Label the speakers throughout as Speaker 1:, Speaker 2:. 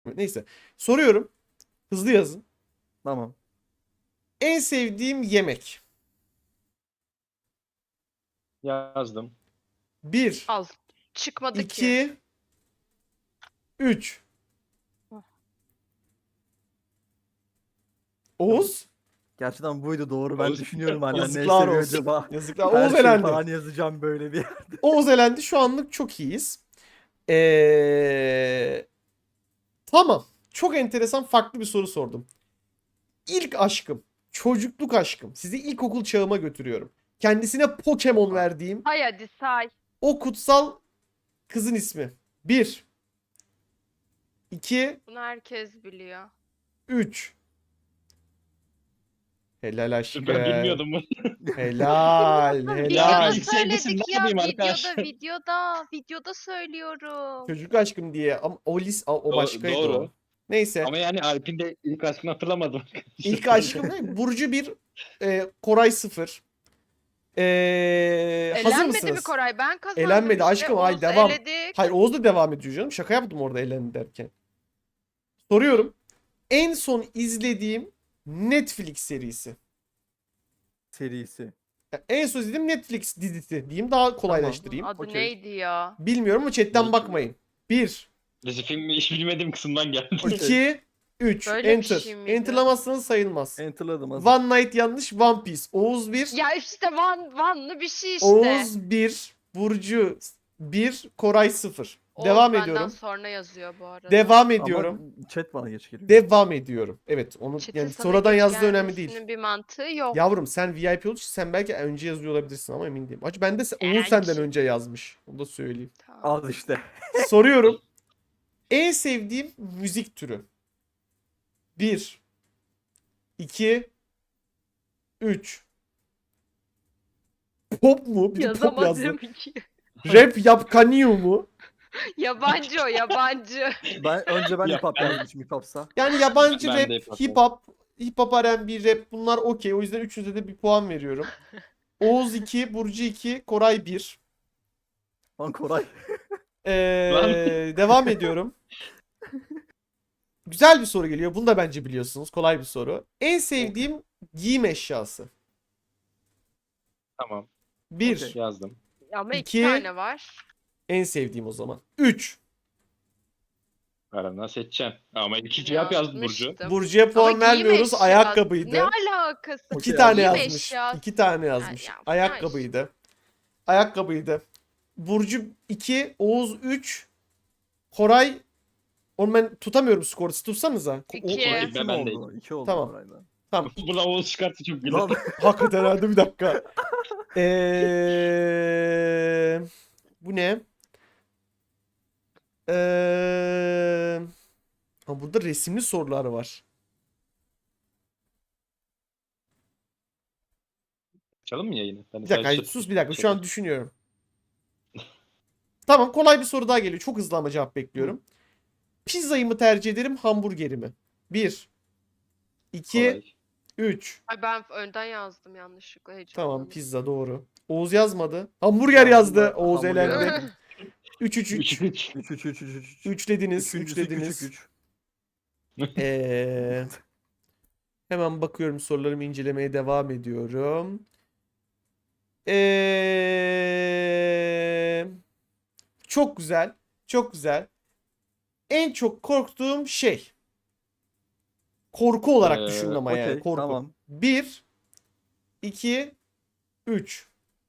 Speaker 1: Neyse. Soruyorum. Hızlı yazın.
Speaker 2: Tamam.
Speaker 1: En sevdiğim yemek.
Speaker 3: Yazdım.
Speaker 1: 1,
Speaker 4: Al. Çıkmadı ki.
Speaker 1: 2, 3. Oğuz.
Speaker 2: Gerçekten buydu doğru. Ben
Speaker 3: Oğuz-
Speaker 2: düşünüyorum hala ne
Speaker 1: Yazıklar
Speaker 2: seviyor
Speaker 1: olsun.
Speaker 2: acaba.
Speaker 1: Yazıklar.
Speaker 2: Her
Speaker 1: Oğuz
Speaker 2: şey
Speaker 1: elendi.
Speaker 2: falan yazacağım böyle bir.
Speaker 1: Oğuz elendi. Şu anlık çok iyiyiz. Tamam. Çok enteresan farklı bir soru sordum. İlk aşkım. Çocukluk aşkım. Sizi ilkokul çağıma götürüyorum. Kendisine Pokemon verdiğim
Speaker 4: Hay hadi say.
Speaker 1: o kutsal kızın ismi. 1, 2,
Speaker 4: Bunu herkes biliyor.
Speaker 1: 3. Helal aşkım.
Speaker 3: Ben bilmiyordum bunu.
Speaker 1: Helal.
Speaker 4: Videoda
Speaker 1: Helal.
Speaker 3: İlk sevgilim
Speaker 4: söyledik
Speaker 3: ne
Speaker 4: ya.
Speaker 3: yapayım arkadaş?
Speaker 4: Videoda söylüyorum.
Speaker 1: Çocuk aşkım diye ama o başkaydı
Speaker 3: Doğru.
Speaker 1: o. Neyse.
Speaker 3: Ama yani Alp'in de ilk aşkını hatırlamadım.
Speaker 1: İlk aşkım ne? Burcu 1, Koray 0. Hazır
Speaker 4: Elenmedi
Speaker 1: mısınız?
Speaker 4: mi Koray? Ben kazandım
Speaker 1: Elenmedi
Speaker 4: işte.
Speaker 1: aşkım. Hayır,
Speaker 4: Oğuz
Speaker 1: devam.
Speaker 4: eledik.
Speaker 1: Hayır, Oğuz da devam ediyor canım. Şaka yaptım orada elendi derken. Soruyorum. En son izlediğim Netflix serisi.
Speaker 2: Serisi.
Speaker 1: En son izlediğim Netflix dizisi diyeyim, daha kolaylaştırayım.
Speaker 4: Adı
Speaker 2: Okey.
Speaker 4: neydi ya?
Speaker 1: Bilmiyorum ama chatten
Speaker 3: Neydi?
Speaker 1: bakmayın. 1,
Speaker 3: Dizi filmi hiç bilmediğim kısımdan geldi.
Speaker 2: Okey.
Speaker 1: 2, 3.
Speaker 4: Böyle bir
Speaker 1: Enter.
Speaker 4: şey miydi?
Speaker 1: Enterlamazsanız sayılmaz.
Speaker 2: Enter'ladım hazır.
Speaker 1: One Night yanlış. One Piece. Oğuz 1.
Speaker 4: Ya işte Van'lı bir şey işte.
Speaker 1: Oğuz 1. Burcu 1. Koray 0.
Speaker 4: Oğuz
Speaker 1: Devam
Speaker 4: benden
Speaker 1: ediyorum.
Speaker 4: sonra yazıyor bu arada.
Speaker 1: Devam ediyorum.
Speaker 2: Ama chat bana geç geliyor.
Speaker 1: Devam ediyorum. Evet, onu
Speaker 4: Chat'in
Speaker 1: yani
Speaker 4: sana
Speaker 1: sonradan
Speaker 4: geç
Speaker 1: yazdığı önemli değil.
Speaker 4: gelmesinin bir mantığı yok.
Speaker 1: Yavrum sen VIP olduğu için sen belki önce yazıyor olabilirsin ama emin değilim. Acı ben de Oğuz
Speaker 4: Belki.
Speaker 1: senden önce yazmış. Onu da söyleyeyim.
Speaker 4: Tamam.
Speaker 2: Al işte.
Speaker 1: Soruyorum. En sevdiğim müzik türü. 1, 2, 3. Pop mu? Bir de pop yazdı.
Speaker 4: Yazamadım ki.
Speaker 1: Rap yapkanıyor mu?
Speaker 4: Yabancı o yabancı.
Speaker 2: Önce ben
Speaker 3: Ya,
Speaker 2: hip hop
Speaker 3: ben-
Speaker 2: yazmışım hip hop'sa.
Speaker 1: Yani yabancı
Speaker 3: Ben de
Speaker 1: rap, hip hop R&B rap bunlar okey. O yüzden üçünüze de bir puan veriyorum. Oğuz 2, Burcu 2, Koray 1.
Speaker 2: Lan Koray.
Speaker 1: Devam ediyorum. Güzel bir soru geliyor. Bunu da bence biliyorsunuz. Kolay bir soru. En sevdiğim giyim eşyası.
Speaker 3: Tamam.
Speaker 1: 1.
Speaker 2: Okey.
Speaker 3: Yazdım.
Speaker 4: Ama
Speaker 1: İki.
Speaker 4: iki tane var.
Speaker 1: En sevdiğim o zaman. 3.
Speaker 3: Arandan seçeceğim. Ama iki cevap yazdı Burcu.
Speaker 4: Yazmıştım.
Speaker 1: Burcu'ya puan
Speaker 4: Ama giyim
Speaker 1: vermiyoruz.
Speaker 4: eşyası.
Speaker 1: Ayakkabıydı.
Speaker 4: Ne alakası?
Speaker 1: İki
Speaker 2: Okey,
Speaker 1: tane
Speaker 4: Giyim
Speaker 1: yazmış.
Speaker 4: eşyası.
Speaker 1: 2 tane yazmış.
Speaker 4: Ya,
Speaker 1: Ayakkabıydı. Ayakkabıydı. Burcu 2, Oğuz 3, Koray. Onu ben tutamıyorum skoru. Siz tutsanıza.
Speaker 4: İki.
Speaker 2: İki mi
Speaker 3: Ben
Speaker 2: oldu? İki oldu
Speaker 1: Tamam.
Speaker 2: Koray'la.
Speaker 1: Tamam.
Speaker 3: Buna Oğuz çıkarttı çok güzel.
Speaker 2: Lan
Speaker 1: Hakikaten herhalde bir dakika. Bu ne? Ha, burada resimli sorular var.
Speaker 3: Açalım mı yayını? Ben
Speaker 1: Bir dakika,
Speaker 3: sadece
Speaker 1: hayır, sus bir dakika. Şu an düşünüyorum. Tamam, kolay bir soru daha geliyor. Çok hızlı ama cevap bekliyorum. Pizzayı mı tercih ederim, hamburgeri mi? 1, 2,
Speaker 3: Kolay.
Speaker 1: 3.
Speaker 4: Ay ben önden yazdım yanlışlıkla
Speaker 1: Tamam,
Speaker 4: heyecanlandım.
Speaker 1: pizza doğru. Oğuz yazmadı. Hamburger yazdı.
Speaker 2: Hamburger-
Speaker 1: Oğuz
Speaker 2: hamburger
Speaker 1: elendi.
Speaker 2: yazdım.
Speaker 1: 3, 3, 3.
Speaker 3: 3.
Speaker 2: 3.
Speaker 1: 3 dediniz. 3
Speaker 2: Üçüncüsü
Speaker 1: dediniz.
Speaker 2: küçük 3.
Speaker 1: Hemen bakıyorum, sorularımı incelemeye devam ediyorum. Çok güzel. Çok güzel. En çok korktuğum şey. Korku olarak düşünün ama yani.
Speaker 2: Okey
Speaker 1: Korku.
Speaker 2: tamam.
Speaker 1: 1, 2, 3.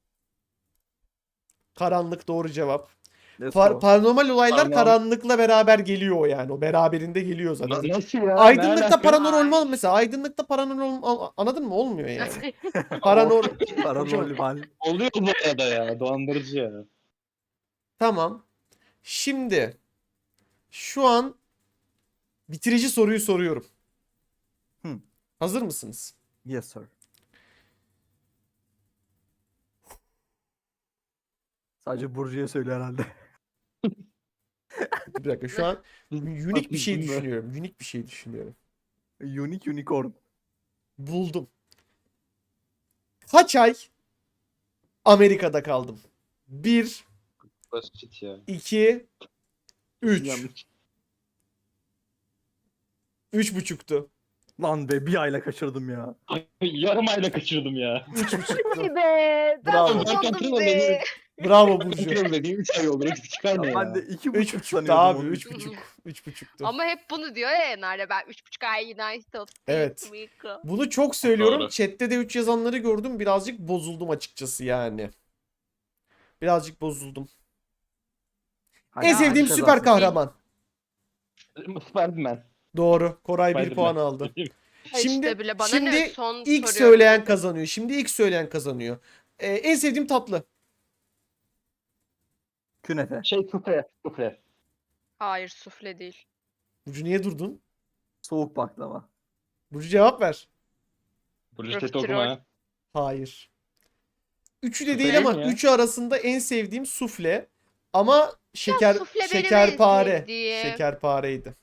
Speaker 1: Karanlık doğru cevap.
Speaker 2: Let's go.
Speaker 1: Paranormal olaylar
Speaker 3: Tamam.
Speaker 1: karanlıkla beraber geliyor yani. O beraberinde geliyor zaten.
Speaker 3: Nasıl ya?
Speaker 1: Aydınlıkta
Speaker 3: Ne alaka?
Speaker 1: paranormal mesela. Aydınlıkta paranormal anladın mı? Olmuyor yani. Paranormal.
Speaker 2: Paranormal.
Speaker 3: Oluyor bu arada ya. Dolandırıcı ya.
Speaker 1: Tamam. Şimdi şu an bitirici soruyu soruyorum.
Speaker 2: Hı.
Speaker 1: Hazır mısınız?
Speaker 2: Yes sir. Sadece Burcu'ya söyle herhalde.
Speaker 1: Bir dakika, şu an unik bir şey
Speaker 3: Değil mi?
Speaker 1: düşünüyorum. Unik bir şey düşünüyorum.
Speaker 2: Unique Unicorn.
Speaker 1: Buldum. Kaç ay Amerika'da kaldım? 1,
Speaker 3: Basit ya.
Speaker 1: 2, 3.
Speaker 3: Yanlış.
Speaker 1: 3,5'tu.
Speaker 2: Lan be bir ayla kaçırdım ya.
Speaker 3: Yarım ayla kaçırdım ya.
Speaker 1: 3,5'tu.
Speaker 4: Be.
Speaker 1: Bravo.
Speaker 4: Ben
Speaker 3: Zaten
Speaker 4: sandım
Speaker 3: tırmanın
Speaker 4: be.
Speaker 1: Bravo Burcu.
Speaker 3: Kontrol dediğim 3 ay olur. 3,5 ay ne
Speaker 2: Ya
Speaker 3: ya?
Speaker 2: ben de 2,5
Speaker 1: 3,5'tu
Speaker 2: sanıyordum
Speaker 1: abi.
Speaker 2: onu.
Speaker 1: 3,5. 3,5'tu.
Speaker 4: Ama hep bunu diyor ya Enar'la, ben 3,5 ay United.
Speaker 1: Evet. Bunu çok söylüyorum.
Speaker 3: Doğru.
Speaker 1: Chat'te de 3 yazanları gördüm. Birazcık bozuldum açıkçası yani. Birazcık bozuldum.
Speaker 2: Hadi
Speaker 1: En
Speaker 2: hadi
Speaker 1: sevdiğim
Speaker 2: kazansın.
Speaker 1: süper kahraman.
Speaker 3: Spiderman.
Speaker 1: Doğru. Koray 1
Speaker 3: Spiderman.
Speaker 1: puan aldı. Şimdi
Speaker 4: işte bile bana ne,
Speaker 1: şimdi
Speaker 4: son
Speaker 1: ilk
Speaker 4: soruyorum
Speaker 1: söyleyen
Speaker 4: dedim.
Speaker 1: kazanıyor. Şimdi ilk söyleyen kazanıyor. En sevdiğim tatlı.
Speaker 2: Künefe.
Speaker 3: Şey sufle. Sufle.
Speaker 4: Hayır, sufle değil.
Speaker 1: Burcu niye durdun?
Speaker 2: Soğuk baklava.
Speaker 1: Burcu cevap ver.
Speaker 3: Burcu chat'i
Speaker 4: Profiterol.
Speaker 3: okuma ha.
Speaker 1: Hayır. Üçü de
Speaker 3: Sufle
Speaker 1: değil
Speaker 3: değil
Speaker 1: ama
Speaker 3: mi ya?
Speaker 1: üçü arasında en sevdiğim sufle. Ama
Speaker 4: sufle benim en
Speaker 1: şekerpare.
Speaker 4: sevdiğim.
Speaker 1: Şekerpareydi.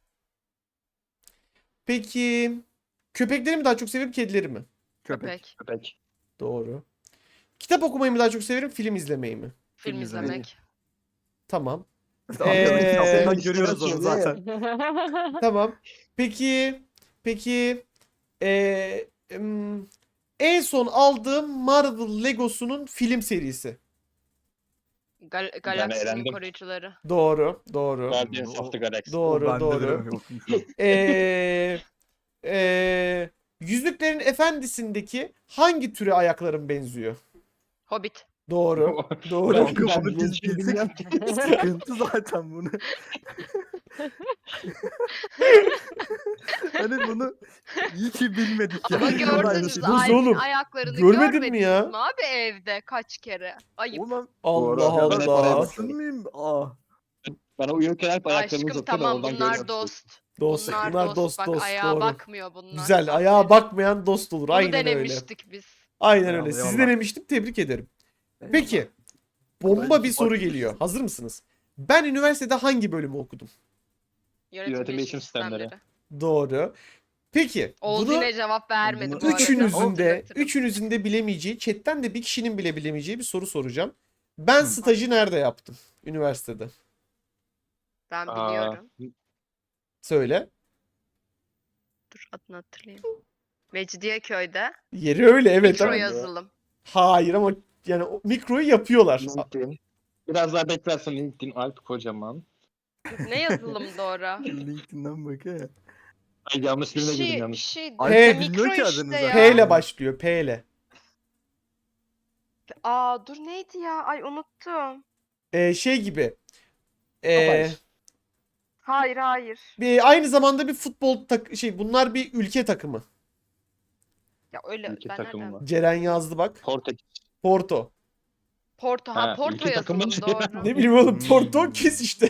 Speaker 1: Peki köpekleri mi daha çok severim, kedileri mi?
Speaker 2: Köpek.
Speaker 4: Köpek.
Speaker 3: Köpek.
Speaker 1: Doğru. Kitap okumayı mı daha çok severim, film izlemeyi mi?
Speaker 4: Film
Speaker 2: Film izlemeyi.
Speaker 4: izlemek.
Speaker 1: Tamam.
Speaker 2: Arkadaki kitaplardan
Speaker 1: Ee,
Speaker 2: görüyoruz onu zaten.
Speaker 1: Tamam. Peki en son aldığım Marvel Legosu'nun film serisi.
Speaker 4: Galaksinin
Speaker 3: eğlendim.
Speaker 4: koruyucuları.
Speaker 1: Doğru, doğru.
Speaker 3: Guardians of the Galaxy.
Speaker 1: Doğru,
Speaker 2: O bende
Speaker 1: doğru.
Speaker 2: de yokmuş.
Speaker 1: Yüzüklerin Efendisi'ndeki hangi türe ayaklarım benziyor?
Speaker 4: Hobbit.
Speaker 1: Doğru. Doğru.
Speaker 2: Kanka
Speaker 3: Ben
Speaker 2: bunu biz
Speaker 3: bilmiyorum.
Speaker 2: bilsek sıkıntı zaten bunu. Hani bunu iyi ki bilmedik ya.
Speaker 4: Ama
Speaker 2: Vallahi
Speaker 4: gördünüz
Speaker 2: iyi.
Speaker 1: Buz
Speaker 4: Alp'in
Speaker 1: oğlum.
Speaker 4: ayaklarını
Speaker 1: Görmedin mi
Speaker 4: görmediniz
Speaker 1: ya?
Speaker 4: mi abi evde kaç kere? Ayıp.
Speaker 2: Ulan
Speaker 1: Allah
Speaker 3: Doğru. Ben hep oraya
Speaker 1: Allah.
Speaker 3: bakıyorum.
Speaker 2: mıyım? Aa.
Speaker 3: Bana uyurken hep ayaklarımı
Speaker 4: Aşkım
Speaker 3: uzatıyor da
Speaker 4: tamam,
Speaker 3: oradan
Speaker 4: bunlar
Speaker 3: görüyorum.
Speaker 4: dost.
Speaker 1: Dost. Bunlar dost
Speaker 4: Bak
Speaker 1: dost.
Speaker 4: ayağa
Speaker 1: Doğru.
Speaker 4: bakmıyor bunlar.
Speaker 1: Güzel. Ayağa
Speaker 4: Aferin.
Speaker 1: bakmayan dost olur.
Speaker 4: Bunu
Speaker 1: Aynen öyle.
Speaker 4: denemiştik biz.
Speaker 1: Aynen
Speaker 2: Eyvallah,
Speaker 1: öyle. Sizi
Speaker 2: eyvallah.
Speaker 1: denemiştim. Tebrik ederim. Peki. Bomba
Speaker 2: Bence
Speaker 1: bir soru
Speaker 2: bakmışsın.
Speaker 1: geliyor. Hazır mısınız? Ben üniversitede hangi bölümü okudum?
Speaker 4: Yönetim
Speaker 3: bilişim sistemleri.
Speaker 4: sistemleri.
Speaker 1: Doğru. Peki.
Speaker 4: Oğuz
Speaker 1: Bunu
Speaker 4: yine cevap vermedi
Speaker 2: bunu
Speaker 4: bu arada.
Speaker 1: üçünüzün
Speaker 4: Hatırlatırım.
Speaker 1: de bilemeyeceği, chatten de bir kişinin bile bilemeyeceği bir soru soracağım. Ben
Speaker 2: Hı.
Speaker 1: stajı nerede yaptım? Üniversitede.
Speaker 4: Ben
Speaker 3: Aa,
Speaker 4: biliyorum.
Speaker 1: Söyle.
Speaker 4: Dur adını hatırlayayım. Mecidiyeköy'de.
Speaker 1: Yeri öyle evet
Speaker 4: Mikro
Speaker 1: ama.
Speaker 4: yazılım.
Speaker 1: Hayır ama yani o mikroyu yapıyorlar.
Speaker 3: LinkedIn. Biraz daha beklersen LinkedIn Alp Kocaman.
Speaker 4: Ne yazılımdı ora?
Speaker 2: LinkedIn'den bak he.
Speaker 3: Ay yanlış
Speaker 4: Bir
Speaker 3: birine girdim
Speaker 4: şey, bir
Speaker 3: yanlış.
Speaker 4: şey.
Speaker 2: Alp
Speaker 1: P-
Speaker 2: bilmiyor ki
Speaker 4: Mikro
Speaker 2: adını
Speaker 4: işte
Speaker 2: zaten.
Speaker 1: P
Speaker 4: ya.
Speaker 1: ile başlıyor. P ile.
Speaker 4: Aa dur neydi ya? Ay unuttum.
Speaker 1: Şey gibi.
Speaker 3: Haber.
Speaker 4: Hayır.
Speaker 1: Aynı zamanda bir futbol bunlar bir ülke takımı.
Speaker 4: Ya öyle
Speaker 3: Ülke
Speaker 4: ben
Speaker 3: takımı
Speaker 4: nereden?
Speaker 3: var.
Speaker 1: Ceren yazdı bak.
Speaker 3: Portekiz.
Speaker 1: Porto.
Speaker 4: Porto. Ha
Speaker 3: Ha,
Speaker 4: Porto
Speaker 3: ülke takımı
Speaker 4: yazılım
Speaker 3: diyor.
Speaker 4: doğru.
Speaker 1: Ne bileyim oğlum Porto
Speaker 2: Hmm.
Speaker 1: kes işte.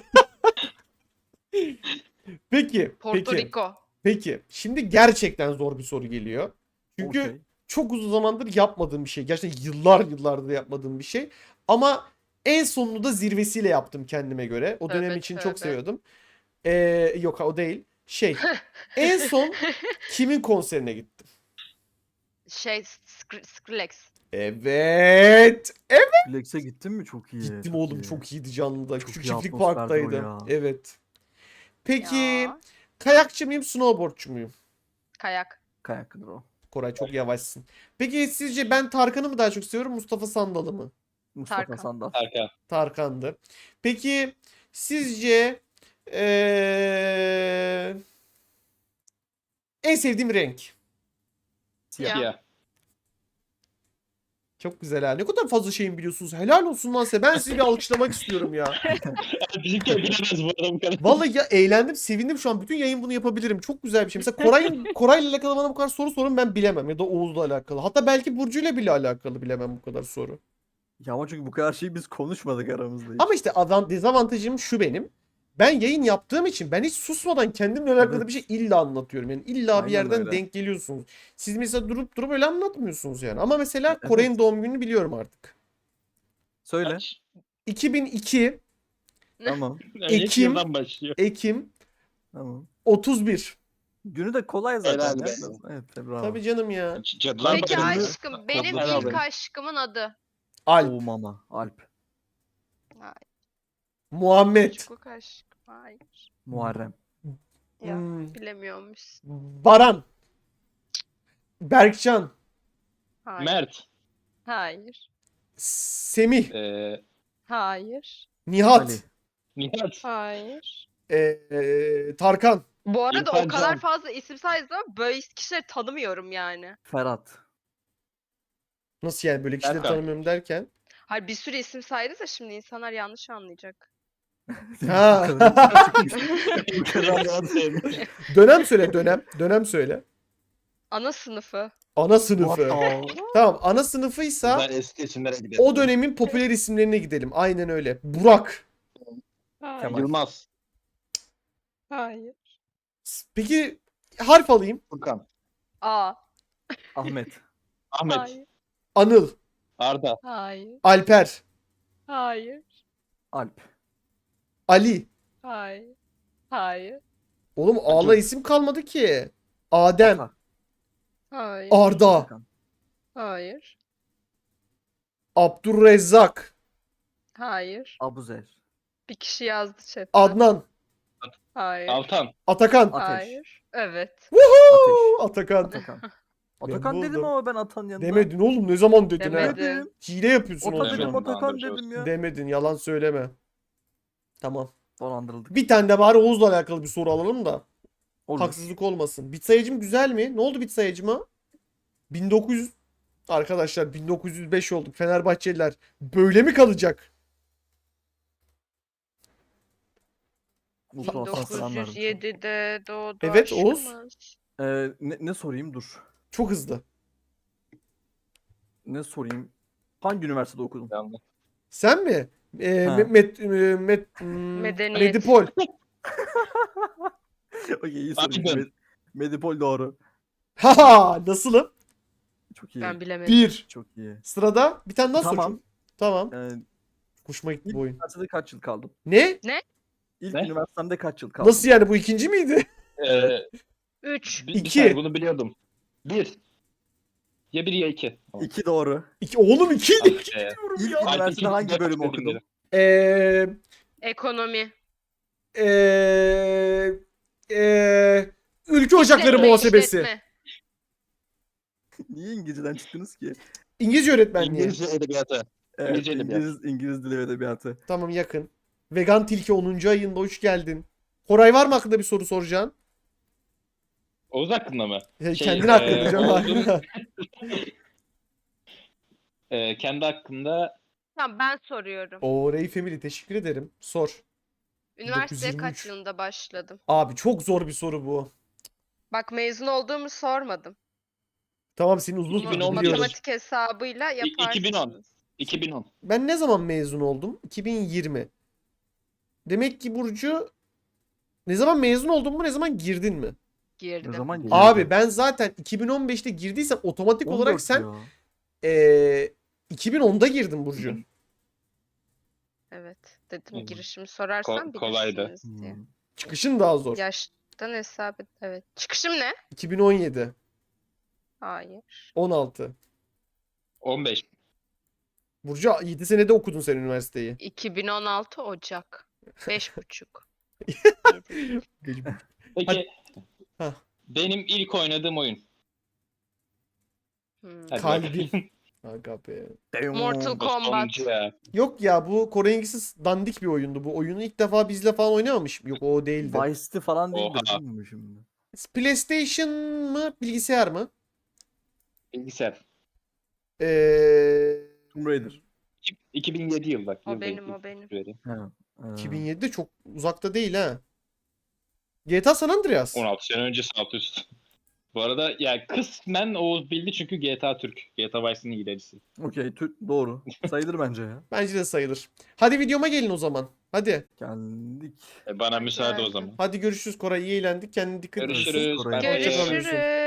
Speaker 1: Peki.
Speaker 4: Porto
Speaker 1: Peki.
Speaker 4: Rico.
Speaker 1: Peki. Şimdi gerçekten zor bir soru geliyor. Çünkü
Speaker 2: Okey.
Speaker 1: çok uzun zamandır yapmadığım bir şey. Gerçekten yıllardır yapmadığım bir şey. Ama en sonunu da zirvesiyle yaptım kendime göre. O dönem
Speaker 4: Tövbe,
Speaker 1: için çok
Speaker 4: tövbe.
Speaker 1: seviyordum. Yok o değil. En son kimin konserine gittim?
Speaker 4: Skrillex.
Speaker 1: Evet.
Speaker 2: Flex'e gittin mi? Çok iyi.
Speaker 1: Gittim oğlum çok iyiydi canlıda.
Speaker 2: Çok
Speaker 1: Küçük
Speaker 2: iyi
Speaker 1: çiftlik
Speaker 2: atmosferdi o
Speaker 1: parktaydı.
Speaker 2: ya.
Speaker 1: Evet. Peki
Speaker 4: Ya.
Speaker 1: kayakçı mıyım, snowboardçu muyum?
Speaker 4: Kayak.
Speaker 2: Kayaklıdır o.
Speaker 1: Koray çok yavaşsın. Peki sizce ben Tarkan'ı mı daha çok seviyorum, Mustafa Sandal'ı mı?
Speaker 2: Mustafa
Speaker 4: Tarkan.
Speaker 2: Sandal.
Speaker 3: Arka.
Speaker 1: Tarkan'dı. Peki sizce en sevdiğim renk?
Speaker 2: Siyah.
Speaker 4: Ya.
Speaker 3: Ya.
Speaker 1: Çok güzel ha. Ne kadar fazla şeyin biliyorsunuz. Helal olsun lan size. Ben sizi bir alkışlamak istiyorum ya.
Speaker 3: Bizimki bilemez bu arada bu kadar.
Speaker 1: Vallahi ya eğlendim, sevindim şu an. Bütün yayın bunu yapabilirim. Çok güzel bir şey. Mesela Koray'la alakalı bana bu kadar soru sorun ben bilemem. Ya da Oğuz'la alakalı. Hatta belki Burcu'yla bile alakalı bilemem bu kadar soru.
Speaker 2: Ya ama çünkü bu kadar şeyi biz konuşmadık aramızda hiç.
Speaker 1: Ama işte dezavantajım şu benim. Ben yayın yaptığım için ben hiç susmadan kendimle alakalı
Speaker 2: Evet.
Speaker 1: bir şey illa anlatıyorum. Yani illa bir
Speaker 2: Aynen
Speaker 1: yerden
Speaker 2: öyle.
Speaker 1: denk geliyorsunuz. Siz mesela durup öyle anlatmıyorsunuz yani. Ama mesela
Speaker 2: Evet.
Speaker 1: Koray'ın doğum gününü biliyorum artık.
Speaker 2: Söyle.
Speaker 1: 2002
Speaker 2: Tamam.
Speaker 3: Yani ilk
Speaker 1: Ekim.
Speaker 3: yıldan başlıyor.
Speaker 1: Ekim
Speaker 2: Tamam.
Speaker 1: 31.
Speaker 2: Günü de kolay zaten.
Speaker 3: Helal
Speaker 2: ya.
Speaker 3: be.
Speaker 2: Evet bravo.
Speaker 1: Tabii canım ya.
Speaker 3: Cadılar
Speaker 4: Peki
Speaker 3: Bayramı.
Speaker 4: aşkım benim
Speaker 3: Kodlar
Speaker 4: ilk
Speaker 3: abi.
Speaker 4: aşkımın adı.
Speaker 1: Alp.
Speaker 2: Oo mama. Alp.
Speaker 1: Muhammed.
Speaker 4: Çocukluk aşkım. Hayır.
Speaker 2: Muharrem.
Speaker 4: Ya
Speaker 1: Hmm,
Speaker 4: bilemedim. bilemiyormuş.
Speaker 1: Baran. Berkcan.
Speaker 4: Hayır.
Speaker 3: Mert.
Speaker 4: Hayır.
Speaker 1: Semih.
Speaker 4: Hayır.
Speaker 1: Nihat.
Speaker 2: Ali.
Speaker 3: Nihat.
Speaker 4: Hayır.
Speaker 1: Tarkan.
Speaker 4: Bu arada
Speaker 3: İrfan
Speaker 4: o kadar
Speaker 3: Can.
Speaker 4: fazla isim saydım ama böyle kişileri tanımıyorum yani.
Speaker 2: Ferhat.
Speaker 1: Nasıl yani böyle kişileri
Speaker 3: Berkan.
Speaker 1: tanımıyorum derken?
Speaker 4: Hayır bir sürü isim saydı da şimdi insanlar yanlış anlayacak.
Speaker 1: Ha.
Speaker 2: Bu kadar çıkmış. Bu kadar rahat
Speaker 1: Dönem söyle dönem. Dönem söyle.
Speaker 4: Ana sınıfı.
Speaker 1: Ana sınıfı. Tamam ana sınıfıysa
Speaker 3: Ben eski isimlere gidelim.
Speaker 1: o dönemin popüler isimlerine gidelim. Aynen öyle. Burak.
Speaker 4: Hayır.
Speaker 2: Kemal.
Speaker 3: Yılmaz.
Speaker 4: Hayır.
Speaker 1: Peki harf alayım.
Speaker 3: Furkan.
Speaker 4: A.
Speaker 2: Ahmet.
Speaker 3: Ahmet.
Speaker 4: Hayır.
Speaker 1: Anıl.
Speaker 3: Arda.
Speaker 4: Hayır.
Speaker 1: Alper.
Speaker 4: Hayır.
Speaker 2: Alp.
Speaker 1: Ali.
Speaker 4: Hayır. Hayır.
Speaker 1: Oğlum A'la isim kalmadı ki. Adem.
Speaker 2: Ata.
Speaker 4: Hayır.
Speaker 1: Arda.
Speaker 2: Atakan.
Speaker 4: Hayır.
Speaker 1: Abdurrezzak.
Speaker 4: Hayır.
Speaker 2: Abuzer.
Speaker 4: Bir kişi yazdı chatte.
Speaker 1: Adnan.
Speaker 4: Hayır.
Speaker 3: Altan.
Speaker 1: Atakan.
Speaker 2: Ateş.
Speaker 4: Hayır. Evet.
Speaker 2: Ateş.
Speaker 1: Atakan.
Speaker 2: Atakan.
Speaker 1: Ben
Speaker 2: Atakan dedim
Speaker 1: buldum.
Speaker 2: ama ben Atan'ın yanında.
Speaker 1: Demedin oğlum ne zaman dedin ha?
Speaker 4: Demedi.
Speaker 2: Dedim.
Speaker 1: Hile yapıyorsun o
Speaker 2: Ata
Speaker 3: Demedim.
Speaker 2: dedim
Speaker 1: zaman.
Speaker 2: Atakan
Speaker 3: Dolandırıcı
Speaker 2: dedim ya.
Speaker 1: Demedin yalan söyleme. Tamam.
Speaker 2: Dolandırıldık.
Speaker 1: Bir tane de bari Oğuz'la alakalı bir soru alalım da.
Speaker 2: Olur.
Speaker 1: Haksızlık olmasın. Bit sayıcım güzel mi? Ne oldu bit sayıcıma? 1900 arkadaşlar 1905 olduk. Fenerbahçeliler böyle mi kalacak?
Speaker 2: Mutlu olsan selamlar.
Speaker 4: 1907'de doğdu
Speaker 1: Evet, Oğuz.
Speaker 4: aşkımız.
Speaker 2: Ne sorayım dur.
Speaker 1: Çok hızlı.
Speaker 2: Ne sorayım? Hangi üniversitede okudun?
Speaker 3: Yanlış.
Speaker 1: Sen mi?
Speaker 2: Ha.
Speaker 4: Medeniyet.
Speaker 1: Medipol.
Speaker 2: Okey iyi
Speaker 3: Aydın.
Speaker 2: sorayım. Medipol doğru.
Speaker 1: Haha nasılım?
Speaker 2: Çok iyi.
Speaker 4: Ben bilemedim.
Speaker 1: 1.
Speaker 2: Çok iyi.
Speaker 1: Sırada bir tane daha
Speaker 2: Tamam.
Speaker 1: soracağım. Tamam.
Speaker 2: Ee,
Speaker 1: Hoşuma gitti
Speaker 2: ilk
Speaker 1: bu oyun.
Speaker 2: üniversitede kaç yıl kaldın?
Speaker 1: Ne?
Speaker 2: İlk
Speaker 3: Ne?
Speaker 2: üniversitede kaç yıl kaldın?
Speaker 1: Nasıl yani bu ikinci miydi?
Speaker 4: 3.
Speaker 3: Bir
Speaker 1: İki.
Speaker 3: saniye, bunu biliyordum. 1. Ya 1 ya 2. Tamam.
Speaker 2: 2 doğru.
Speaker 1: Oğlum iki
Speaker 2: İlk
Speaker 3: Alp
Speaker 2: üniversitede
Speaker 3: ikinci
Speaker 2: hangi
Speaker 3: dört
Speaker 2: bölümü
Speaker 3: dedim
Speaker 2: okudun?
Speaker 3: dedim.
Speaker 1: Eee
Speaker 4: Ekonomi.
Speaker 1: Ülke Ocakları
Speaker 4: İşletme,
Speaker 1: Muhasebesi.
Speaker 4: işletme.
Speaker 2: Niye İngilizceden çıktınız ki?
Speaker 1: İngilizce öğretmenliği.
Speaker 3: İngilizce edebiyatı.
Speaker 2: Evet,
Speaker 3: İngilizce edebiyat.
Speaker 2: İngiliz dili ve edebiyatı.
Speaker 1: Tamam yakın. Vegan Tilki 10. ayında hoş geldin. Koray var mı hakkında bir soru soracaksın?
Speaker 3: Oğuz hakkında mı?
Speaker 1: Kendin hakkında canım.
Speaker 3: Oğuz'un- kendi hakkında
Speaker 4: Tamam ben soruyorum.
Speaker 1: Oo Ray Family teşekkür ederim. Sor.
Speaker 4: Üniversiteye
Speaker 1: 1923.
Speaker 4: kaç yılında başladım?
Speaker 1: Abi çok zor bir soru bu.
Speaker 4: Bak mezun olduğumu sormadım.
Speaker 1: Tamam senin uzun
Speaker 3: 2011.
Speaker 1: biliyorum.
Speaker 4: Matematik hesabıyla
Speaker 3: 2010.
Speaker 4: yaparsınız.
Speaker 3: 2010.
Speaker 1: Ben ne zaman mezun oldum? 2020. Demek ki Burcu ne zaman mezun oldun mu ne zaman girdin mi?
Speaker 4: Girdim.
Speaker 2: Ne zaman
Speaker 1: Abi ben zaten 2015'te girdiysem otomatik olarak sen 2010'da girdin Burcu.
Speaker 4: Evet. Dedim
Speaker 3: Hı.
Speaker 4: girişimi sorarsan
Speaker 3: Kolaydı.
Speaker 4: bilirsiniz diye.
Speaker 1: Çıkışın daha zor.
Speaker 4: Yaştan hesap et. Evet. Çıkışım ne?
Speaker 1: 2017,
Speaker 4: Hayır.
Speaker 1: 16.
Speaker 3: 15.
Speaker 1: Burcu 7 senede okudun sen üniversiteyi.
Speaker 4: 2016 Ocak. 5,5.
Speaker 3: Peki
Speaker 1: Hah.
Speaker 3: benim ilk oynadığım oyun. Hadi
Speaker 1: Kalbim.
Speaker 3: bakalım.
Speaker 1: Aga be.
Speaker 4: Mortal
Speaker 3: Bu
Speaker 4: Kombat.
Speaker 3: sonuncu ya.
Speaker 1: Yok ya bu Korengisiz dandik bir oyundu. Bu oyunu ilk defa bizle falan oynamamış. Yok o değildi.
Speaker 2: Vice City falan değildir
Speaker 3: Oha.
Speaker 2: değil mi şimdi?
Speaker 1: PlayStation mı bilgisayar mı?
Speaker 3: Bilgisayar.
Speaker 2: Tomb Raider.
Speaker 3: 2007 yıl bak.
Speaker 4: O
Speaker 3: yıl
Speaker 4: benim,
Speaker 3: değil,
Speaker 4: o benim.
Speaker 3: vereyim.
Speaker 2: Ha.
Speaker 1: 2007'de çok uzakta değil ha. GTA San Andreas.
Speaker 3: 16 sene önce alt üst. Bu arada ya kısmen Oğuz bildi çünkü GTA Türk. GTA Vice'nin ilerisi.
Speaker 2: Okey doğru. Sayılır bence ya.
Speaker 1: Bence de sayılır. Hadi videoma gelin o zaman. Hadi.
Speaker 2: Geldik.
Speaker 3: Bana müsaade o
Speaker 4: Geldim.
Speaker 3: zaman.
Speaker 1: Hadi görüşürüz Koray. İyi eğlendik. Kendine dikkat et.
Speaker 3: Görüşürüz.
Speaker 2: Koray.
Speaker 3: Bay bay.
Speaker 1: Hoşça kalın.
Speaker 4: Görüşürüz.